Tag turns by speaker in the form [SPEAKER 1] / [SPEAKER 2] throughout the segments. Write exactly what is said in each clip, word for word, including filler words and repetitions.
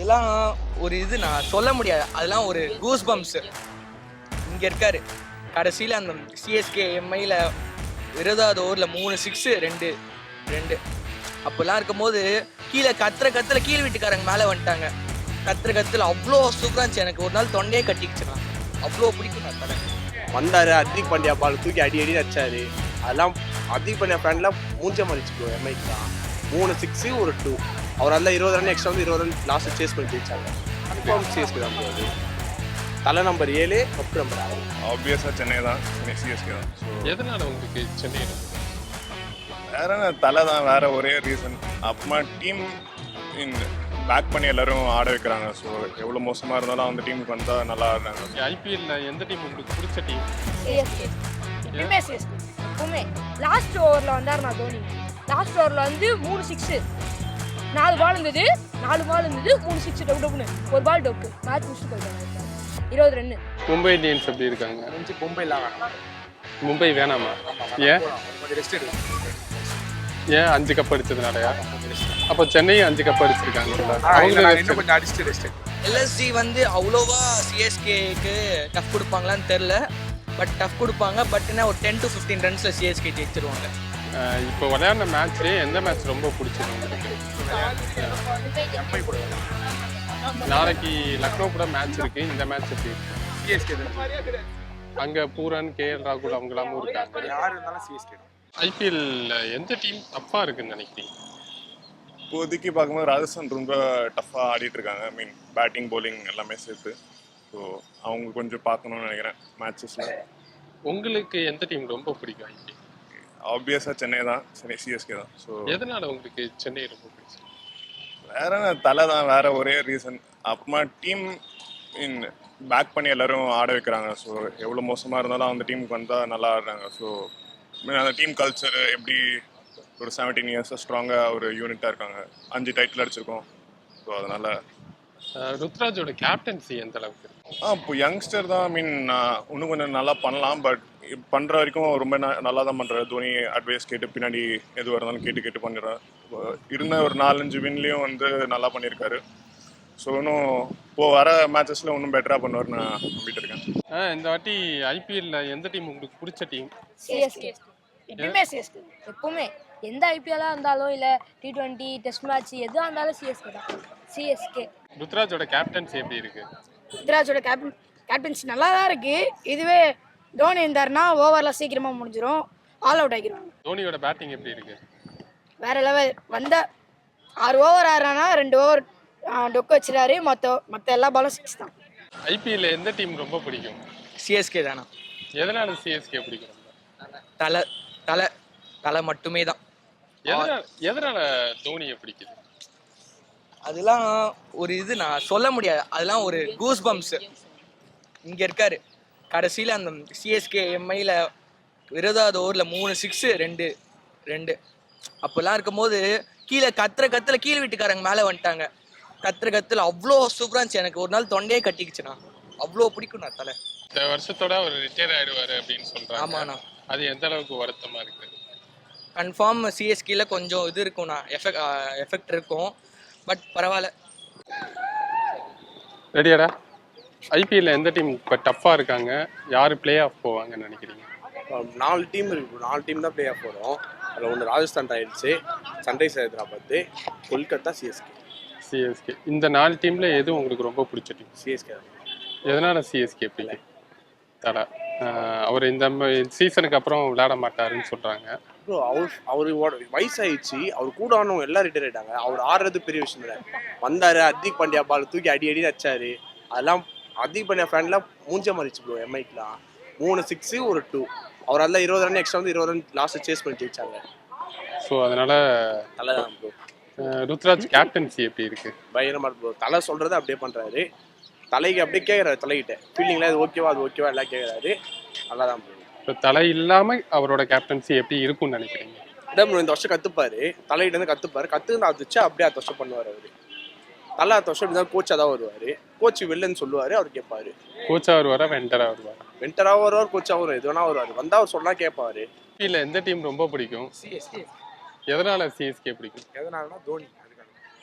[SPEAKER 1] அதெல்லாம் ஒரு இது நான் சொல்ல முடியாது. அதெல்லாம் ஒரு கூஸ் பம்ப்ஸ். இங்க இருக்காரு கடைசியில் அந்த சிஎஸ்கே எம்ஐயில் இருபதாவது ஓவரில் மூணு சிக்ஸு ரெண்டு ரெண்டு அப்போல்லாம் இருக்கும்போது கீழே கத்துற கத்துல கீழ் வீட்டுக்காரங்க மேலே வந்துட்டாங்க. கத்துற கத்துல அவ்வளோ சூப்பராக இருந்துச்சு. எனக்கு ஒரு நாள் தொண்டையே கட்டிக்கிச்சுண்ணா. அவ்வளோ பிடிக்கும் நான் தலை
[SPEAKER 2] வந்தார். ஹர்திக் பாண்டியா பால் தூக்கி அடி அடி அடிச்சாரு. அதெல்லாம் ஹர்திக் பாண்டியா ஃபேன்லாம் மூஞ்ச மறிச்சு ப்ரோ. எம்ஐக்கு தான் மூணு சிக்ஸு ஒரு டூ. அவர் அதில் இருபது ரன் எக்ஸ்ட்ரா வந்து இருபது ரன் லாஸ்ட்டு சேஸ் பண்ணி ஜெயிச்சாங்க. கன்ஃபார்ம் சிஎஸ்கே தான் போகுது. தலை நம்பர் ஏழு கப்பு நம்பர் ஆறு.
[SPEAKER 3] ஆப்வியஸாக சென்னை தான், சென்னை சிஎஸ்கே தான். ஸோ
[SPEAKER 4] எதனால உங்களுக்கு சென்னை
[SPEAKER 3] வேற தலை தான், வேற ஒரே ரீசன். அப்புறமா டீம் இன் பேக் பண்ணி எல்லாரும் ஆட வைக்கிறாங்க. ஸோ எவ்வளோ மோசமாக இருந்தாலும் அந்த டீமுக்கு வந்தால் நல்லா ஆடுறாங்க.
[SPEAKER 4] ஐபிஎல்ல எந்த டீம் உங்களுக்கு பிடிச்ச டீம்?
[SPEAKER 5] சிஎஸ்கே. எப்பவுமே சிஎஸ்கே. எப்பவுமே லாஸ்ட் ஓவரில் வந்தார் நான் தோனி. லாஸ்ட் ஓவரில் வந்து மூணு சிக்ஸு நாலு பால் இருந்தது நாலு பால் இருந்தது மூணு சிக்ஸ் டொப்பு டொப்புன்னு ஒரு பால் டொப்பு மேட்ச் முடிச்சுட்டு போயிட்டாங்க. இருபது ரன்னு.
[SPEAKER 4] மும்பை இந்தியன்ஸ் எப்படி இருக்காங்க?
[SPEAKER 1] மும்பைலாம் வேணாம்.
[SPEAKER 4] மும்பை வேணாமா? ஏன்
[SPEAKER 1] ரெஸ்ட் எடுக்கும்.
[SPEAKER 4] ஏன் அஞ்சு கப் அடிச்சதுனாலயா? அப்போ சென்னையும் அஞ்சு கப் அடிச்சிருக்காங்க.
[SPEAKER 1] கொஞ்சம் அடிச்சுட்டு ரெஸ்ட். எல்எஸ்ஜி வந்து அவ்வளோவா சிஎஸ்கேக்கு டஃப் கொடுப்பாங்களான்னு தெரில. பட் டஃப் கொடுப்பாங்க. பட் என்ன ஒரு டென் டு ஃபிஃப்டீன் ரன்ஸில் சிஎஸ்கே ஜெயிச்சிருவாங்க.
[SPEAKER 4] இப்போ விளையாடின மேட்ச்லேயே எந்த மேட்ச் ரொம்ப பிடிச்சது உங்களுக்கு? நாளைக்கு லக்னோ கூட மேட்ச் இருக்கு. இந்த மேட்ச் எப்படி
[SPEAKER 1] சிஎஸ்கே
[SPEAKER 4] அங்கே பூரன் கேஎல் ராகுல் அவங்களாமும் இருக்காங்க.
[SPEAKER 1] யார் இருந்தாலும் சிஎஸ்கே.
[SPEAKER 4] ஐபிஎல்ல எந்த டீம் தப்பாக இருக்குன்னு நினைக்கிறீங்க?
[SPEAKER 3] இப்போதைக்கு பார்க்கும்போது ராஜஸ்தான் ரொம்ப டஃப்பாக ஆடிட்டு இருக்காங்க. ஐ மீன் பேட்டிங் பவுலிங் எல்லாமே சேர்த்து. ஸோ அவங்க கொஞ்சம் பார்க்கணும்னு நினைக்கிறேன் மேட்சஸில்.
[SPEAKER 4] உங்களுக்கு எந்த டீம் ரொம்ப பிடிக்கும் ஐபிஎல்?
[SPEAKER 3] ஆப்வியஸாக சென்னை தான், சென்னை சிஎஸ்கே தான். ஸோ
[SPEAKER 4] எதனால உங்களுக்கு சென்னை ரொம்ப பிடிக்கும்?
[SPEAKER 3] வேற தலை தான், வேற ஒரே ரீசன். அப்புறமா டீம் இன் பேக் பண்ணி எல்லாரும் ஆட வைக்கிறாங்க. ஸோ எவ்வளோ மோசமாக இருந்தாலும் அந்த டீமுக்கு வந்தால் நல்லா ஆடுறாங்க. ஸோ அந்த டீம் கல்ச்சர் எப்படி ஒரு செவன்டீன் இயர்ஸாக ஸ்ட்ராங்காக ஒரு யூனிட்டாக இருக்காங்க. அஞ்சு டைட்டில் அடிச்சிருக்கோம். ஸோ அதனால்
[SPEAKER 4] ருத்ராஜோட கேப்டன்சி எந்த அளவுக்கு?
[SPEAKER 3] ஆ இப்போ யங்ஸ்டர் தான். ஐ மீன் இன்னும் கொஞ்சம் நல்லா பண்ணலாம். பட் பண்ணுற வரைக்கும் ரொம்ப ந நல்லா தான் பண்ணுறாரு. தோனி அட்வைஸ் கேட்டு பின்னாடி எதுவாக இருந்தாலும் கேட்டு கேட்டு பண்ணிடுறாரு. இருந்த ஒரு நாலஞ்சு வின்லேயும் வந்து நல்லா பண்ணியிருக்காரு. ஸோ இன்னும் இப்போது வர மேட்சஸில் இன்னும் பெட்டராக பண்ணுவார் நான் நம்பிட்டு இருக்கேன்.
[SPEAKER 4] இந்த வாட்டி ஐபிஎல்ல எந்த டீம் உங்களுக்கு பிடிச்ச டீம்?
[SPEAKER 5] சிஎஸ்கே. எப்பவுமே சிஎஸ்கே. எப்பவுமே எந்த ஐபிஎல்லாக இருந்தாலும் இல்லை டி ட்வெண்ட்டி டெஸ்ட் மேட்ச் எதுவாக இருந்தாலும் சிஎஸ்கே தான். சிஎஸ்கே.
[SPEAKER 4] ருத்ராஜோட கேப்டன்சி எப்படி இருக்கு?
[SPEAKER 5] ருத்ராஜோட கேப்டன் கேப்டன்சி நல்லா தான் இருக்கு. இதுவே தோனி இருந்தாருன்னா ஓவரில் சீக்கிரமாக முடிஞ்சிடும். ஆல் அவுட் ஆகிடும்.
[SPEAKER 4] தோனியோட பேட்டிங் எப்படி இருக்கு?
[SPEAKER 5] வேற லெவல். வந்த ஆறு ஓவர் ஆடுறானா ரெண்டு ஓவர் டொக்கு வச்சிடாரு. மற்ற மற்ற எல்லா பாலும் சிக்ஸ் தான்.
[SPEAKER 4] ஐபிஎல்ல எந்த டீம் ரொம்ப பிடிக்கும்?
[SPEAKER 1] சிஎஸ்கே தானா.
[SPEAKER 4] எதனால சிஎஸ்கே பிடிக்கும்?
[SPEAKER 1] தலை தலை தலை மட்டுமே தான்.
[SPEAKER 4] எதனால எதனால தோனியை பிடிக்குது?
[SPEAKER 1] அதெல்லாம் ஒரு இது நான் சொல்ல முடியாது. அதெல்லாம் ஒரு கூஸ் பம்ப்ஸ். இங்கே இருக்காரு கடைசியில் அந்த சிஎஸ்கே எம்ஐயில் இருபதாவது ஓவரில் மூணு சிக்ஸு ரெண்டு ரெண்டு அப்போல்லாம் இருக்கும்போது கீழே கத்துற கத்துல கீழ் வீட்டுக்காரங்க மேலே வந்துட்டாங்க. கத்துற கத்துல அவ்வளோ சூப்பராக இருந்துச்சு. எனக்கு ஒரு நாள் தொண்டையே கட்டிக்குச்சுண்ணா. அவ்வளோ பிடிக்கும் நான் தலை.
[SPEAKER 4] இந்த வருஷத்தோட அவர் ரிட்டையர் ஆயிடுவாரு அப்படின்னு சொல்றாங்க.
[SPEAKER 1] ஆமாண்ணா.
[SPEAKER 4] அது எந்த அளவுக்கு வருத்தமா இருக்கு?
[SPEAKER 1] கன்ஃபார்ம் சிஎஸ்கேல கொஞ்சம் இது இருக்கும்ண்ணா. எஃபெக்ட் எஃபெக்ட் இருக்கும். பட் பரவாயில்ல.
[SPEAKER 4] ரெடியாடா? ஐபிஎல்ல எந்த டீம் இப்போ டஃப்பாக இருக்காங்க? யார் பிளே ஆஃப் போவாங்கன்னு நினைக்கிறீங்க?
[SPEAKER 2] நாலு டீம் இருக்கு. நாலு டீம் தான் பிளே ஆஃப் போகிறோம். அதில் ஒன்று Rajasthan Royals, Sunrise Hyderabad, Kolkata, CSK.
[SPEAKER 4] CSK. இந்த நாலு டீம்ல எது உங்களுக்கு ரொம்ப பிடிச்ச டீம்?
[SPEAKER 2] சிஎஸ்கே தான்.
[SPEAKER 4] எதனால சிஎஸ்கே பிள்ளை? தலை அவர் இந்த சீசனுக்கு அப்புறம் விளையாட மாட்டாருன்னு சொல்றாங்க.
[SPEAKER 2] ப்ரோ அவர் அவர் வயசாயிடுச்சு. அவர் கூட ஆனவங்க எல்லாம் ரிட்டையர் ஆகிட்டாங்க. அவர் ஆடுறது பெரிய விஷயம் இல்லை. வந்தார். ஹர்திக் பாண்டியா பால் தூக்கி அடி அடி அடிச்சாரு. அதெல்லாம் ஹர்திக் பாண்டியா ஃபேன்லாம் மூஞ்ச மறிச்சு ப்ரோ. எம்ஐக்கெலாம் மூணு சிக்ஸு ஒரு டூ. அவர் அதில் இருபது ரன் எக்ஸ்ட்ரா வந்து இருபது ரன் லாஸ்ட்டு சேஸ் பண்ணி ஜெயிச்சாங்க.
[SPEAKER 4] ஸோ அதனால
[SPEAKER 2] தலை தான் ப்ரோ.
[SPEAKER 4] ருத்ராஜ் கேப்டன்சி எப்படி இருக்கு?
[SPEAKER 2] பயங்கரமாக ப்ரோ. தலை சொல்கிறத அப்படியே பண்ணுறாரு. தலைக்கு அப்படியே கேட்குறாரு. தலைகிட்ட ஃபீல்டிங்கில் அது ஓகேவா அது ஓகேவா எல்லாம் கேட்குறாரு. நல்லா தான் ப்ரோ.
[SPEAKER 4] இப்போ தலை இல்லாமல் அவரோட கேப்டன்சி எப்படி இருக்கும்னு நினைக்கிறீங்க?
[SPEAKER 2] இதான் ப்ரோ இந்த வருஷம் கற்றுப்பாரு. தலைகிட்ட வந்து கற்றுப்பாரு. கற்றுன்னு அது வச்சு அப்படியே அடுத்த வருஷம் பண்ணுவார் அவர். தலை அடுத்த வருஷம் இப்படி தான் கோச்சாக தான் வருவார். கோச் வெளிலன்னு சொல்லுவார். அவர் கேட்பாரு.
[SPEAKER 4] கோச்சாக வருவாரா வெண்டராக வருவாரா?
[SPEAKER 2] வெண்டராக வருவார். கோச்சாக வரும். எது வேணா வருவார். வந்தால் அவர் சொன்னால் கேட்பாரு.
[SPEAKER 4] இல்லை எந்த டீம் ரொம்ப பிடிக்கும்?
[SPEAKER 1] சிஎஸ்கே.
[SPEAKER 4] எதனால சிஎஸ்கே பிடிக்கும்?
[SPEAKER 1] எதனாலனா தோனி.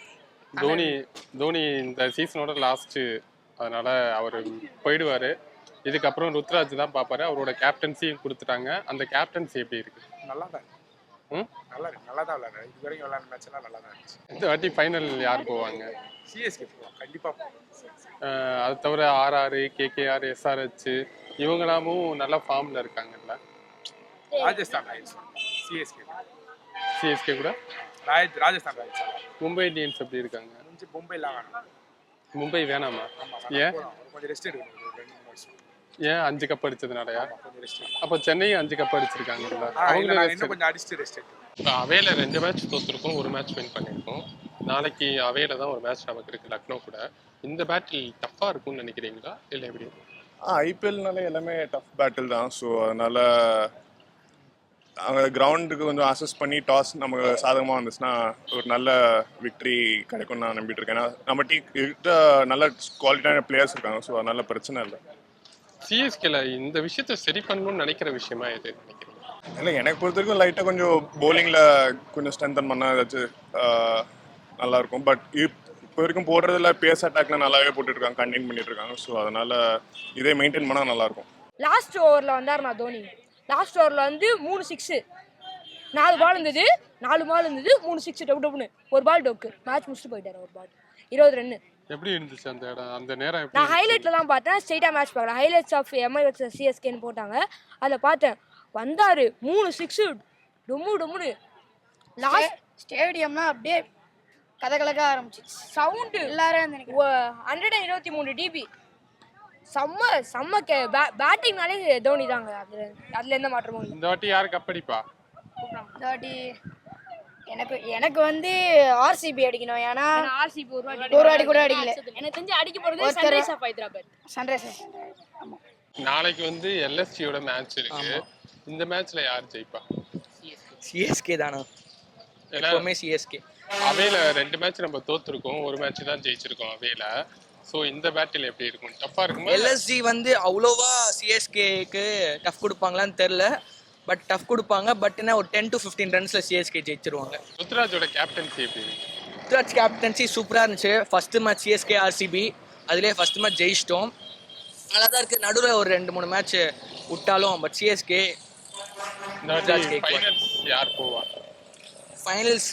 [SPEAKER 4] தோனி தோனி இந்த சீசனோட லாஸ்ட்டு, அதனால அவர் போயிடுவார். இதுக்கப்புறம் ருத்ராஜ் தான் பார்ப்பாரு. அவரோட கேப்டன்சியும் கொடுத்துட்டாங்க. அந்த கேப்டன்சி எப்படி இருக்கு?
[SPEAKER 6] நல்லா தான்
[SPEAKER 4] ம்
[SPEAKER 6] நல்லா இருக்கு நல்லா தான் விளையாடுறாரு. இது வரைக்கும் விளையாடுற மேட்ச் எல்லாம் நல்லா தான் இருந்துச்சு.
[SPEAKER 4] இந்த வாட்டி ஃபைனல் யார் போவாங்க?
[SPEAKER 6] சிஎஸ்கே போகலாம் கண்டிப்பாக.
[SPEAKER 4] அஹ் அது தவிர ஆர்ஆர், கேகேஆர், எஸ்ஆர்ஹெச் இவங்களாமும் நல்ல ஃபார்மில் இருக்காங்கல்ல.
[SPEAKER 6] ராஜஸ்தான் ராயல்ஸ் சிஎஸ்கே
[SPEAKER 4] சிஎஸ்கே கூட.
[SPEAKER 6] ராஜ் ராஜஸ்தான் ராயல்ஸ்
[SPEAKER 4] மும்பை இந்தியன்ஸ் எப்படி இருக்காங்க?
[SPEAKER 6] கொஞ்சம் மும்பைலாம் வேணும்.
[SPEAKER 4] மும்பை வேணாமா?
[SPEAKER 6] ஆமாம்
[SPEAKER 4] ஏன்
[SPEAKER 6] போகலாம். ஒரு கொஞ்சம் ரெஸ்ட் எடுக்கணும். ஒரு ரெண்டு மூணு வருஷம்
[SPEAKER 4] ஏன் அஞ்சு கப் அடிச்சதுனாலயா?
[SPEAKER 6] கொஞ்சம் ரெஸ்ட் எடுக்கணும்.
[SPEAKER 4] அப்போ சென்னையும் அஞ்சு கப் அடிச்சிருக்காங்கல்ல.
[SPEAKER 6] ஆ, இல்ல,
[SPEAKER 4] அவங்களும்
[SPEAKER 6] நாங்க
[SPEAKER 4] rest
[SPEAKER 6] இன்னும் கொஞ்சம் அடிச்சுட்டு ரெஸ்ட் எடுக்கணும்.
[SPEAKER 4] இப்போ அவேல ரெண்டு மேட்ச் தோத்துருக்கோம், ஒரு மேட்ச் வின் பண்ணியிருக்கோம். நாளைக்கு அவேல தான் ஒரு மேட்ச் நமக்கு இருக்கு லக்னோ கூட. இந்த பேட்டில் டஃப்பாக இருக்கும்னு நினைக்கிறீங்களா இல்லை எப்படி?
[SPEAKER 3] ஆ ஐபிஎல்னாலே எல்லாமே டஃப் பேட்டில் தான். ஸோ அதனால் அவங்க கிரவுண்டுக்கு கொஞ்சம் அசஸ் பண்ணி டாஸ் நமக்கு சாதகமாக வந்துச்சுன்னா ஒரு நல்ல விக்ட்ரி கிடைக்கும்னு நான் நம்பிட்டு இருக்கேன். ஏன்னா நம்ம டீ கிட்ட நல்ல குவாலிட்டியான பிளேயர்ஸ் இருக்காங்க. ஸோ அதனால பிரச்சனை இல்லை.
[SPEAKER 4] சிஎஸ்கேல இந்த விஷயத்த சரி பண்ணணும்னு நினைக்கிற விஷயமா எது நினைக்கிறீங்க?
[SPEAKER 3] இல்லை எனக்கு பொறுத்த வரைக்கும் லைட்டாக கொஞ்சம் bowlingல கொஞ்சம் ஸ்ட்ரென்தன் பண்ணால் ஏதாச்சும் ஆஹ், நல்லா இருக்கும். பட் இப்போ வரைக்கும் போடுறதுல பேஸ் அட்டாக்ல நல்லாவே போட்டுருக்காங்க, கண்டெயின் பண்ணிட்டு இருக்காங்க. ஸோ அதனால இதே மெயின்டைன் பண்ணால் நல்லாயிருக்கும்.
[SPEAKER 5] லாஸ்ட் ஓவரில் வந்தாருண்ணா தோனி. லாஸ்ட் ஓவரில் வந்து மூணு சிக்ஸு, நாலு பால் இருந்தது, நாலு பால் இருந்தது, மூணு சிக்ஸ் டப்பு டப்புன்னு ஒரு பால் டொக்கு மேட்ச் முடிச்சுட்டு போயிட்டாரு. ஒரு பால் இருபது ரன்னு.
[SPEAKER 4] எப்படி இருந்துச்சு அந்த இடம், அந்த நேரம் எப்படி
[SPEAKER 5] நான்
[SPEAKER 4] இருந்துச்சு?
[SPEAKER 5] ஹைலைட்டில் தான் பார்த்தேன், ஸ்ட்ரெயிட்டாக மேட்ச் பார்க்கல. ஹைலைட்ஸ் ஆஃப் எம்ஐ வச்சு சிஎஸ்கேன்னு போட்டாங்க, அதில் பார்த்தேன். வந்தார் மூணு சிக்ஸு டொம்மு டொம்முன்னு. லாஸ்ட்
[SPEAKER 7] ஸ்டேடியம்னா அப்படியே கதகலக்க ஆரம்பிச்சு
[SPEAKER 5] சவுண்டு
[SPEAKER 7] எல்லாரும்
[SPEAKER 5] ஹண்ட்ரட் அண்ட் இருபத்தி மூணு டிபி. செம்ம செம்ம கே பேட்டிங்னாலே தோனி தாங்க. அதில் அதில் எந்த மாற்றமும் இல்லை.
[SPEAKER 4] இந்த வாட்டி யாரு கப்படிப்பா?
[SPEAKER 7] தாட்டி எனக்கு எனக்கு வந்து ஆர்சிபி அடிக்கணும். ஏன்னா
[SPEAKER 5] ஆர்சிபி ஒரு வாட்டி
[SPEAKER 7] ஒரு வாட்டி கூட அடிக்கல.
[SPEAKER 5] எனக்கு தெரிஞ்சு அடிக்க போகிறது
[SPEAKER 7] ஒருத்தர்
[SPEAKER 5] சன்ரைஸ் ஆஃப் ஹைதராபாத்.
[SPEAKER 7] சன்ரைசர்ஸ்.
[SPEAKER 4] நாளைக்கு வந்து எல்எஸ்சியோட மேட்ச் இருக்கு. இந்த மேட்ச்ல யார் ஜெயிப்பா?
[SPEAKER 1] சிஎஸ்கே தானா?
[SPEAKER 4] ஏன்னா
[SPEAKER 1] எப்பவுமே சிஎஸ்கே.
[SPEAKER 4] அவேல ரெண்டு மேட்ச் நம்ம தோத்துருக்கோம், ஒரு மேட்ச் தான் ஜெயிச்சிருக்கோம் அவேல. ஸோ இந்த பேட்டில் எப்படி இருக்கும்? டஃப்பா இருக்குமா?
[SPEAKER 1] எல்எஸ்ஜி வந்து அவ்வளோவா சிஎஸ்கேக்கு டஃப் கொடுப்பாங்களான்னு தெரில. பட் டஃப் கொடுப்பாங்க. பட் என்ன ஒரு டென் டு ஃபிஃப்டீன் ரன்ஸில் சிஎஸ்கே ஜெயிச்சிருவாங்க.
[SPEAKER 4] ருத்ராஜோட கேப்டன்சி எப்படி இருக்கு?
[SPEAKER 1] ருத்ராஜ் கேப்டன்சி சூப்பராக இருந்துச்சு. ஃபஸ்ட்டு மேட்ச் சிஎஸ்கே ஆர்சிபி, அதுலேயே ஃபஸ்ட்டு மேட்ச் ஜெயிச்சிட்டோம். நல்லா தான் இருக்குது. நடுவில் ஒரு ரெண்டு மூணு மேட்ச் விட்டாலும் பட் சிஎஸ்கே
[SPEAKER 4] இந்த வாட்டி ஃபைனல்ஸ் யார் போவா?
[SPEAKER 1] ஃபைனல்ஸ்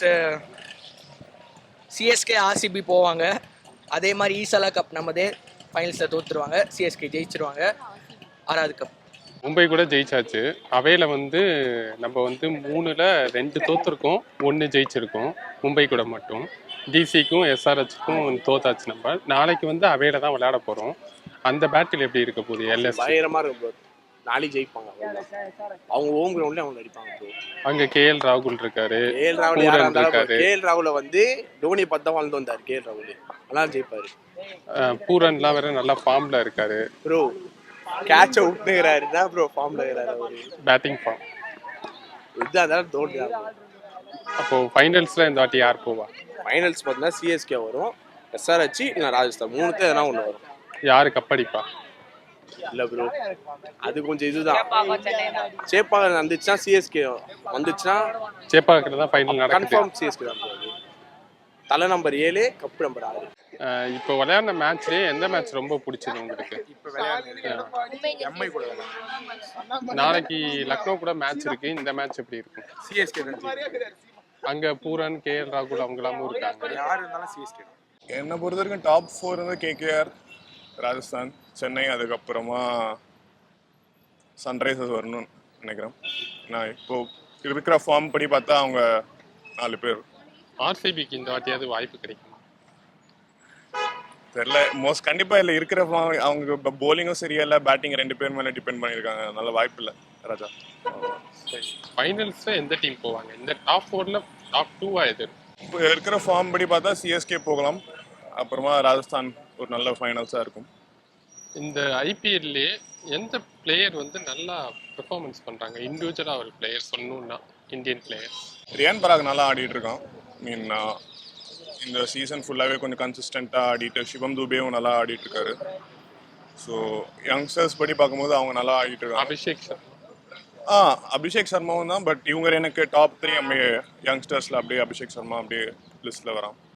[SPEAKER 1] சிஎஸ்கே ஆர்சிபி போவாங்க. அதே மாதிரி ஈசலா கப் நம்மதே ஃபைனல்ஸில் தோற்றுருவாங்க, சிஎஸ்கே ஜெயிச்சிருவாங்க ஆறாவது கப்.
[SPEAKER 4] மும்பை கூட ஜெயிச்சாச்சு. அவையில வந்து நம்ம வந்து மூணுல ரெண்டு தோத்துருக்கோம், ஒன்று ஜெயிச்சிருக்கோம் மும்பை கூட மட்டும். டிசிக்கும் எஸ்ஆர்ஹெச்சுக்கும் தோத்தாச்சு. நம்ம நாளைக்கு வந்து அவையில தான் விளையாட போகிறோம். அந்த பேட்டில் எப்படி இருக்க போகுது? எல்எஸ்
[SPEAKER 2] பயங்கரமா இருக்கும் ப்ரோ. நாளைக்கு ஜெயிப்பாங்க. அவ்வளவுதான். அவங்க ஹோம் கிரவுண்ட்ல அவங்க அடிப்பாங்க ப்ரோ.
[SPEAKER 4] அங்க கேஎல் ராகுல் இருக்காரு,
[SPEAKER 2] கேஎல் ராகுல்
[SPEAKER 4] பூரன்
[SPEAKER 2] யாரா இருந்தாலும்
[SPEAKER 4] இருக்காரு.
[SPEAKER 2] கேஎல் ராகுல வந்து டோனி பத்தா வாழ்ந்து வந்தார். கேஎல் ராகுல் அதனால ஜெயிப்பாரு
[SPEAKER 4] அஹ் பூரன்லாம் வேற நல்லா ஃபார்ம்ல இருக்காரு.
[SPEAKER 2] ப்ரோ. கேட்ச விட்டுக்கிறாரு தான் ப்ரோ ஃபார்ம்ல இருக்கிறாரு அவரு.
[SPEAKER 4] Batting form.
[SPEAKER 2] இதுதான் அதான் தோனி தான்.
[SPEAKER 4] அப்போ ஃபைனல்ஸ்ல இந்த வாட்டி யார் போவா?
[SPEAKER 2] ஃபைனல்ஸ் பார்த்தீங்கன்னா சிஎஸ்கே வரும், எஸ்ஆர்ஹெச் இல்லை ராஜஸ்தான், மூணுத்துல எதனா ஒன்று வரும்.
[SPEAKER 4] யாரு கப்படிப்பா?
[SPEAKER 2] இல்ல ப்ரோ, அது கொஞ்சம் இதுதான். சேப்பாக வந்துச்சுன்னா சிஎஸ்கே வந்துச்சுன்னா
[SPEAKER 4] சேப்பாக்கில் தான் ஃபைனல் நடக்குது.
[SPEAKER 2] கன்ஃபார்ம் சிஎஸ்கே தான் ப்ரோ. தலை நம்பர் ஏழு, கப்பு நம்பர் ஆறு.
[SPEAKER 4] அஹ் இப்போ விளையாடின மேட்ச்லயே எந்த மேட்ச் ரொம்ப பிடிச்சது உங்களுக்கு?
[SPEAKER 6] இப்போ விளையாடுறது எம்ஐ கூட விளையாடுறது.
[SPEAKER 4] நாளைக்கு லக்னோ கூட மேட்ச் இருக்கு. இந்த மேட்ச் எப்படி இருக்கும்?
[SPEAKER 6] சிஎஸ்கே தான் ஜெயிக்கும்.
[SPEAKER 4] அங்க பூரன், கேஎல் ராகுல் அவங்களாமும் இருக்காங்க.
[SPEAKER 6] யார் இருந்தாலும் சிஎஸ்கே தான்.
[SPEAKER 3] என்னை பொறுத்த வரைக்கும் டாப் ஃபோர் வந்து கேகேஆர், ராஜஸ்தான், சென்னை, அதுக்கப்புறமா சன்ரைசர்ஸ் வரணும்னு நினைக்கிறேன். நான் இப்போ இருக்கிற ஃபார்ம் படி பார்த்தா அவங்க நாலு பேர்.
[SPEAKER 4] ஆர்சிபிக்கு இந்த வாட்டியாவது வாய்ப்பு கிடைக்கும்?
[SPEAKER 3] தெரியல. மோஸ்ட் கண்டிப்பாக இல்லை. இருக்கிற ஃபார்ம் அவங்க போலிங்கும் சரியா இல்லை, பேட்டிங் ரெண்டு பேர் மேலே டிபெண்ட் பண்ணியிருக்காங்க. நல்ல வாய்ப்பு இல்லை ராஜா.
[SPEAKER 4] சரி, ஃபைனல்ஸ்ல எந்த டீம் போவாங்க? இந்த டாப் ஃபோர்ல டாப் டூவா எது?
[SPEAKER 3] இப்போ இருக்கிற ஃபார்ம் படி பார்த்தா சிஎஸ்கே போகலாம், அப்புறமா ராஜஸ்தான் ஒரு நல்ல ஃபைனல்ஸாக இருக்கும்.
[SPEAKER 4] இந்த ஐபிஎல்லே எந்த பிளேயர் வந்து நல்லா பெர்ஃபார்மன்ஸ் பண்றாங்க இண்டிவிஜுவலாக ஒரு பிளேயர் சொல்லணும்னா? இந்தியன் பிளேயர்ஸ்
[SPEAKER 3] ரியான் பராக் நல்லா ஆடிட்டு இருக்கான். மீன் இந்த சீசன் ஃபுல்லாகவே கொஞ்சம் கன்சிஸ்டண்ட்டாக ஆடிட்டு, சிவம் துபேவும் நல்லா ஆடிட்டு இருக்காரு. ஸோ யங்ஸ்டர்ஸ் படி பார்க்கும்போது அவங்க நல்லா ஆடிட்டு இருக்காங்க.
[SPEAKER 4] அபிஷேக் சர்மா.
[SPEAKER 3] ஆ அபிஷேக் சர்மாவும் தான். பட் இவங்க எனக்கு டாப் த்ரீ யங்ஸ்டர்ஸில் அப்படியே அபிஷேக் சர்மா அப்படியே லிஸ்ட்டில் வரான்.